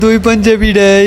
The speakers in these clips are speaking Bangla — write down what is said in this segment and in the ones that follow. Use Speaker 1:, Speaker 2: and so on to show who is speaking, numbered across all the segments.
Speaker 1: দুই পাঞ্জাবিটাই।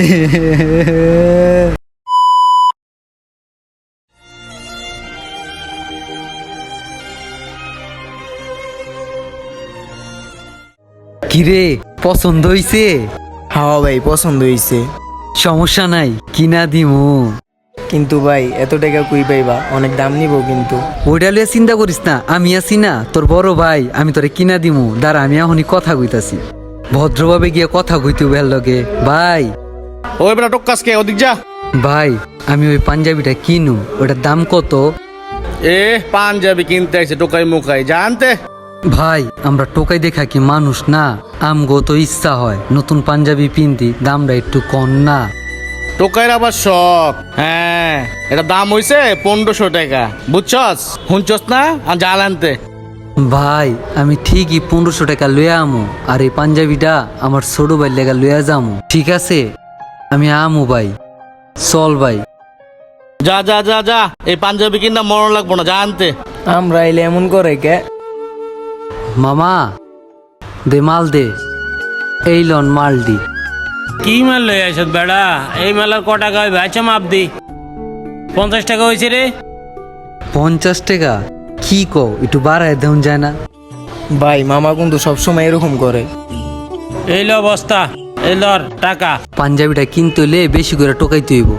Speaker 1: কিরে পছন্দ হইছে?
Speaker 2: হ্যাঁ ভাই পছন্দ হয়েছে,
Speaker 1: সমস্যা নাই, কিনা দিমু।
Speaker 2: কিন্তু ভাই এত টাকা কই পাইবা, অনেক দাম নিব কিন্তু।
Speaker 1: ওইটা লিয়ে চিন্তা করিস না, আমি আছি না তোর বড় ভাই, আমি তোরে কিনা দিমু। দাঁড়া আমি এখনই কথা কইতাছি, ভদ্রভাবে গিয়ে কথা কইতে ভাল লগে। ভাই
Speaker 3: ওই বেটা টক্কাস কে ওদিক যা।
Speaker 1: ভাই আমি ওই পাঞ্জাবিটা কিনু, ওটার দাম কত?
Speaker 3: এ পাঞ্জাবি কিনতে আইছে টোকাই মুকাই জানতে।
Speaker 1: ভাই আমরা টোকাই দেখা কি মানুষ না, আমগো তো ইচ্ছা হয় নতুন পাঞ্জাবি পিনতি, দামটা একটু কম না?
Speaker 3: টোকাইর আবার শখ। হ্যাঁ এটা দাম হইছে 1500 টাকা, বুঝছস? শুনছস না? আর জাল আনতে।
Speaker 1: ভাই আমি ঠিকই 1500 টাকা লইয়া আমু, আর এই পাঞ্জাবিটা আমার ছোট ভাই লেগা লইয়া যামু, ঠিক আছে? আমি আমু ভাই, চল ভাই।
Speaker 3: যা যা যা যা, এই পাঞ্জাবি কিনা মরণ লাগবো না, জানতে।
Speaker 2: আমরা এলে এমন করে কে?
Speaker 1: মামা দে মাল দে, এই লন মাল দি।
Speaker 4: কি মাল লই আইছ বেড়া? এই মালার ক টাকা হইবে? আচ্ছা মাপ দি। 50 টাকা হয়েছে রে।
Speaker 1: 50 টাকা? কি কো, একটু বাড়ায় দেন যায় না?
Speaker 2: ভাই মামা কিন্তু সবসময় এরকম করে।
Speaker 4: এই ল বস্তা, এই লর টাকা।
Speaker 1: পাঞ্জাবিটা কিনতে হইলে বেশি করে টোকাইতে হইব।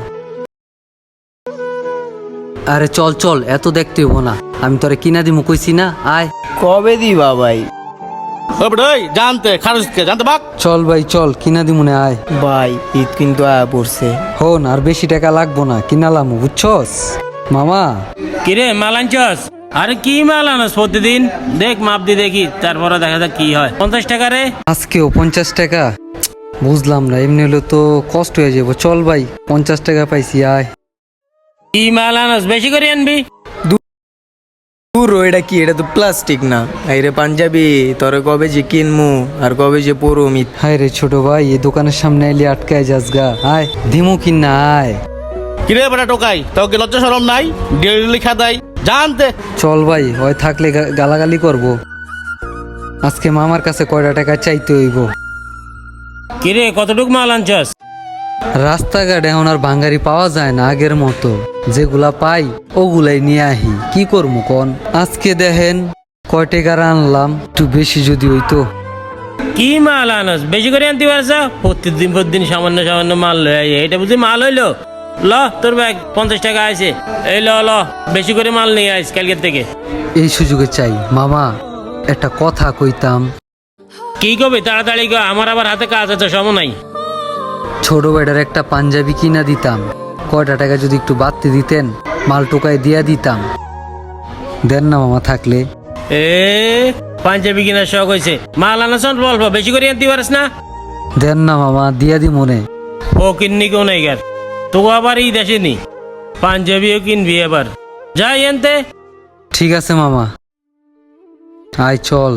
Speaker 1: আরে চল চল, এত দেখতে হইব না, আমি তোরে কিনা দিমু কইছি না, আয়।
Speaker 2: কবে দিবা ভাই?
Speaker 3: ওই বেটা ওই জানতে খারুস কে জানতে বাক।
Speaker 1: চল ভাই চল, কিনা দিমু না, আয়।
Speaker 2: ভাই ঈদ কিন্তু আয়া পড়ছে।
Speaker 1: হন আর বেশি টাকা লাগবো না, কিনালাম, বুঝছস মামা?
Speaker 4: কিরে মাল আনছস? আরে কি মাল আনস প্রতিদিন? দেখ মাপ দি দেখি, তারপরে দেখা যাক কি হয়। 50 টাকা রে।
Speaker 1: আজকেও 50 টাকা? বুঝলাম না, এমনি হলে তো কষ্ট হয়ে যাবো। চল ভাই 50 টাকা পাইছি, আয়।
Speaker 4: কি মাল আনস? বেশি করে আনবি।
Speaker 2: পুরো এটা কি? এটা তো প্লাস্টিক না। এই রে পাঞ্জাবি তোরে কবে যে কিনমু আর কবে যে পরু মিত।
Speaker 1: হায় রে ছোট ভাই, এই দোকানের সামনে এলি আটকায় যাস গা, আয় দিমু কিনা, আয়।
Speaker 3: কিরে বেটা টোকাই, তোকে লজ্জা শরম নাই? ডেলি লিখা দেয় জানতে।
Speaker 1: চল ভাই, হয় থাকলে গালাগালি করব। আজকে মামার কাছে কয়টা টাকা চাইতে হইব।
Speaker 4: কিরে কতটুক মাল আনছস?
Speaker 1: রাস্তাঘাট এখন আর ভাঙ্গারি পাওয়া যায় না আগের মতো, যেগুলা পাই ওগুলাই নিয়ে আহি, কি করবো কন? আজকে দেখেন কয় টাকার আনলাম, একটু বেশি যদি হইতো।
Speaker 4: কি মাল আনস? বেশি করে আনতে পারছ? প্রতিদিন সামান্য সামান্য মাল লই আই, এটা বুঝি মাল হইলো? ল তোর ব্যাগ 50 টাকা আছে। এই ল ল, বেশি করে মাল নিয়ে আইস কালকের থেকে।
Speaker 1: এই সুযোগে চাই মামা, একটা কথা কইতাম।
Speaker 4: কি কবি? তাড়াতাড়ি গো, আমার আবার হাতে কাজ আছে, সময় নাই।
Speaker 1: ছোট বেটার একটা পাঞ্জাবি কিনা দিতাম, কয়টা টাকা যদি একটু বাড়তে দিতেন, মাল টোকায় দিয়া দিতাম। দেন না মামা থাকলে।
Speaker 4: এ পাঞ্জাবি কিনার শখ হয়েছে, মাল আনাস অল্প অল্প, বেশি করে আনতে পারিস না?
Speaker 1: দেন না মামা, দিয়া দি মনে।
Speaker 4: ও কিননি কেউ নাই গার, তোকে আবার ঈদ আসেনি, পাঞ্জাবিও কিনবি এবার, যাই আনতে।
Speaker 1: ঠিক আছে মামা, আয় চল।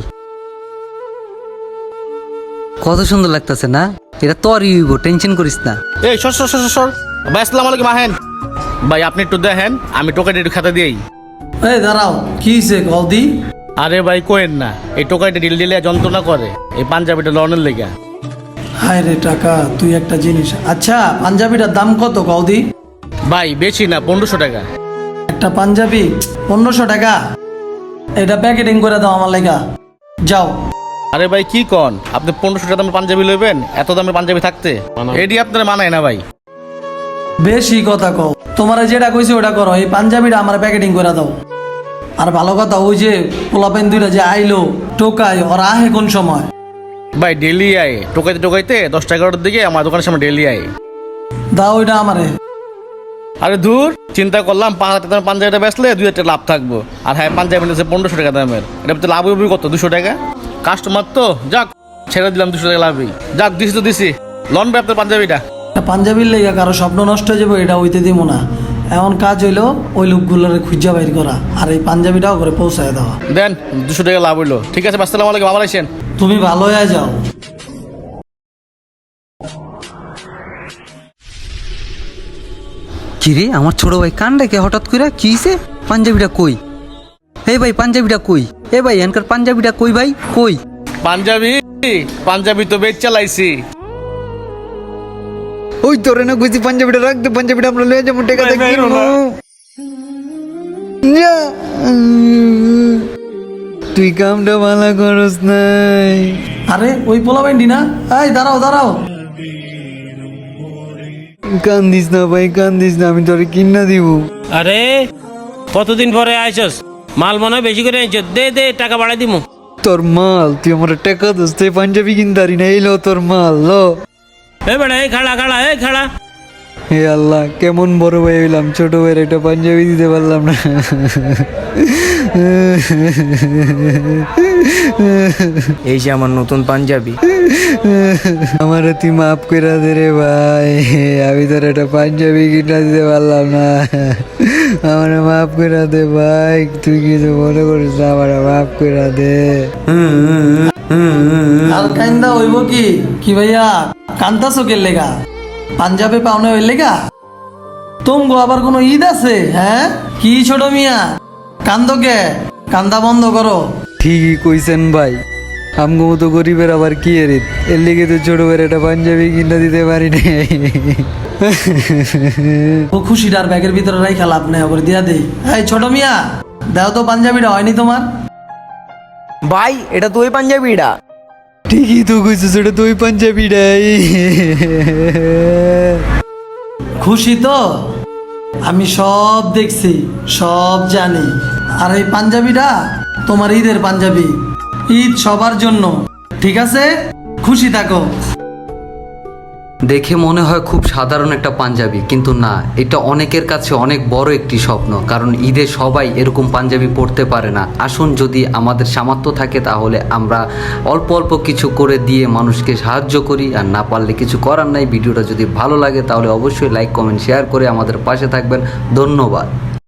Speaker 1: কত সুন্দর লাগতেছে না? এটা তোরই হইব, টেনশন করিস না।
Speaker 3: এই সর সর সর সর। ভাই আসসালামু আলাইকুম, আহেন। ভাই আপনি একটু দেখেন, আমি টোকাইটা একটু খাতা দিই।
Speaker 5: এই দাঁড়াও, কি হয়েছে গলদি?
Speaker 3: আরে ভাই কোয়েন না, এই টোকাইটা ডিল ডিলে যন্ত্রণা করে, এই পাঞ্জাবিটা লনের লেগা।
Speaker 5: হায় রে টাকা, তুই একটা জিনিস। আচ্ছা পাঞ্জাবিটার দাম কত গলদি?
Speaker 3: ভাই বেশি না, 1500 টাকা।
Speaker 5: একটা পাঞ্জাবি 1500 টাকা? এটা প্যাকেটিং করে দাও আমার লেগা, যাও।
Speaker 3: আরে ভাই কি কন, আপনি 1500 টাকা দামের পাঞ্জাবি লইবেন? এত দামের পাঞ্জাবি থাকতে এটি আপনার মানায় না ভাই।
Speaker 5: বেশি কথা কও, তোমার যেটা কইছে ওটা করো, এই পাঞ্জাবিটা আমার প্যাকেটিং করে দাও। আর ভালো কথা, ওই যে পোলাপেন দুইটা যে আইলো টোকাই, ওরা আহে কোন সময়?
Speaker 3: ভাই ডেলি আয়, টোকাইতে টোকাইতে 10টা 11টার দিকে আমার দোকানের সামনে ডেলি আয়।
Speaker 5: দাও ওইটা আমারে।
Speaker 3: আরে ধুর, চিন্তা করলাম 5,000 টাকার পাঞ্জাবিটা বেচলে 2,000 টাকা লাভ থাকবো, আর হ্যাঁ পাঞ্জাবি নিচ্ছে 1500 টাকা দামের, এটা তো লাভ হবে কত? 200 টাকা। কাস্টমার তো যাক, ছেড়ে দিলাম 200 টাকা লাভই, যাক দিছি তো দিছি। লন ভাই আপনার পাঞ্জাবিটা।
Speaker 5: পাঞ্জাবির লেগা কারো স্বপ্ন নষ্ট হয়ে যাবে, এটা হইতে দিব না। এমন কাজ হইলো ওই লোকগুলোরে খুঁজা বাইর করা, আর এই পাঞ্জাবিটাও করে পৌঁছায় দেওয়া।
Speaker 3: দেন 200 টাকা লাভ হইলো, ঠিক আছে। আসসালামু আলাইকুম, আবার আসেন।
Speaker 5: তুমি ভালো হয়ে যাও।
Speaker 1: কিরে আমার ছোট ভাই কান ডেকে হঠাৎ করে, কি হইছে? পাঞ্জাবিটা কই? এই ভাই পাঞ্জাবিটা কই? এ ভাই এনকার পাঞ্জাবিটা কই ভাই, কই?
Speaker 3: পাঞ্জাবি পাঞ্জাবি তো বেচ চালাইছি।
Speaker 1: ওই তোরে না কইছি পাঞ্জাবিটা রাখতে, পাঞ্জাবিটা আমরা লয়ে যাবো, টাকা দিয়ে কিনবো। যা। তুই কামটা ভালো করস নাই।
Speaker 5: আরে ওই পোলাপাইনটি না? এই দাঁড়াও দাঁড়াও।
Speaker 1: কান্দিস না ভাই, কান্দিস না, আমি তোরে কিনা দিব।
Speaker 4: আরে কতদিন পরে আইছস, মাল মনে হয় বেশি করে আইছস, দে দে টাকা বাড়াই দিমু।
Speaker 1: তোর মাল, তুই আমার টাকা দোস, তুই পাঞ্জাবি কিনতারি না, এলো তোর মাল লো।
Speaker 4: এ বেড়া এই খাড়া খাড়া এই খাড়া।
Speaker 1: হে আল্লাহ, কেমন বড় ভাই হইলাম, ছোট ভাইয়ের একটা পাঞ্জাবি দিতে পারলাম না।
Speaker 2: এই যে আমার নতুন পাঞ্জাবি।
Speaker 1: আমার তুই মাফ করে দে রে ভাই, আমি তোর একটা পাঞ্জাবি কিনা দিতে পারলাম না। আমার মাফ করে দে ভাই, তুই কিছু মনে করিস না, আমার মাফ করে দে।
Speaker 5: আর কান্দা হইব কি? কি ভাইয়া কান্দাছো কে লেগা? পাঞ্জাবে পাওনা হইল লেগা? তুমগো আবার কোনো ঈদ আছে? হ্যাঁ কি ছোট মিয়া, কান্দো কে? কান্দা বন্ধ করো।
Speaker 1: ঠিকই কইছেন ভাই, আমগো মতো গরিবের আবার কি এর ঈদ? এর লেগে তো ছোট ভাইয়ের একটা পাঞ্জাবি কিনা দিতে পারি নাই।
Speaker 5: ও খুশিটার ব্যাগের ভিতরে রাইখা লাভ নেই, করে দিয়া দেই। এই ছোট মিয়া, দাও তো পাঞ্জাবিটা, হয়নি তোমার?
Speaker 2: ভাই এটা তো ওই পাঞ্জাবিটা।
Speaker 1: ঠিকই তো কইছিস, এটা তো ওই পাঞ্জাবিটাই।
Speaker 5: খুশি তো? আমি সব দেখছি, সব জানি। আর এই পাঞ্জাবিটা তোমার ঈদের পাঞ্জাবি, ঈদ সবার জন্য, ঠিক আছে? খুশি থাকো।
Speaker 1: দেখে মনে হয় খুব সাধারণ একটা পাঞ্জাবি, কিন্তু না, এটা অনেকের কাছে অনেক বড় একটি স্বপ্ন, কারণ ঈদে সবাই এরকম পাঞ্জাবি পরতে পারে না। আসুন, যদি আমাদের সামর্থ্য থাকে তাহলে আমরা অল্প অল্প কিছু করে দিয়ে মানুষকে সাহায্য করি, আর না পারলে কিছু করার নাই। ভিডিওটা যদি ভালো লাগে তাহলে অবশ্যই লাইক, কমেন্ট, শেয়ার করে আমাদের পাশে থাকবেন। ধন্যবাদ।